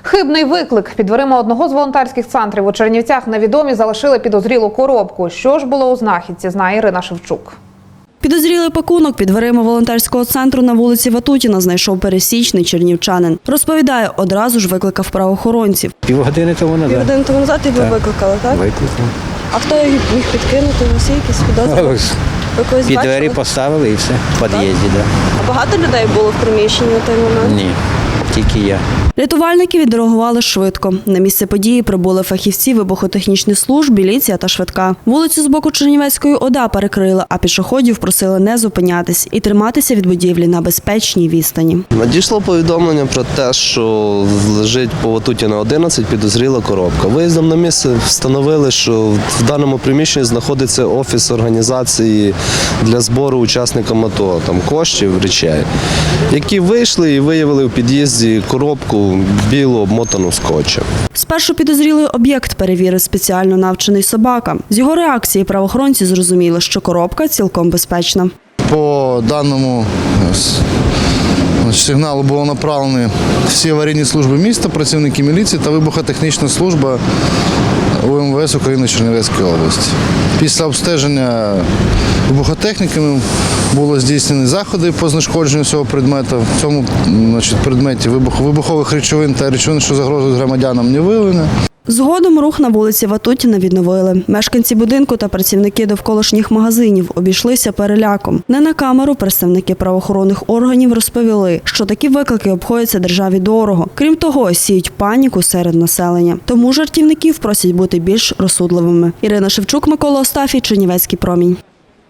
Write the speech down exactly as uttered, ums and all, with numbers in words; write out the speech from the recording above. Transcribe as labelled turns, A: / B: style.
A: Хибний виклик. Під дверима одного з волонтерських центрів у Чернівцях невідомі залишили підозрілу коробку. Що ж було у знахідці, знає Ірина Шевчук.
B: Підозрілий пакунок під дверима волонтерського центру на вулиці Ватутіна знайшов пересічний чернівчанин. Розповідає, одразу ж викликав правоохоронців.
C: Півгодини тому назад.
B: Півгодини тому назад і ви викликали, так?
C: Викликав.
B: А хто їх міг підкинути? У вас є якісь підозри?
C: Ось,
B: Ви когось
C: Під
B: бачили?
C: двері поставили і все, в під'їзді. Да.
B: А багато людей було в приміщенні у той момент?
C: Ні, тільки я.
B: Рятувальники відреагували швидко. На місце події прибули фахівці вибухотехнічних служб, міліція та швидка. Вулицю з боку Чернівецької ОДА перекрили, а пішоходів просили не зупинятись і триматися від будівлі на безпечній відстані.
D: Надійшло повідомлення про те, що лежить по Ватутіна одинадцять підозріла коробка. Виїздом на місце встановили, що в даному приміщенні знаходиться офіс організації для збору учасникам АТО, там коштів, речей, які вийшли і виявили в під'їзді коробку білу, обмотану скотчем.
B: Спершу підозрілий об'єкт перевірив спеціально навчений собака. З його реакції правоохоронці зрозуміли, що коробка цілком безпечна.
E: По даному сигналу було направлені всі аварійні служби міста, працівники міліції та вибухотехнічна служба У Ем Ве Ес України Чернівецької області. Після обстеження вибухотехніками було здійснені заходи по знешкодженню цього предмету. В цьому значить, предметі вибухових речовин та речовин, що загрожують громадянам, не виявлено.
B: Згодом рух на вулиці Ватутіна відновили. Мешканці будинку та працівники довколишніх магазинів обійшлися переляком. Не на камеру представники правоохоронних органів розповіли, що такі виклики обходяться державі дорого. Крім того, сіють паніку серед населення. Тому жартівників просять бути більш розсудливими. Ірина Шевчук, Микола Остафій, Чернівецький промінь.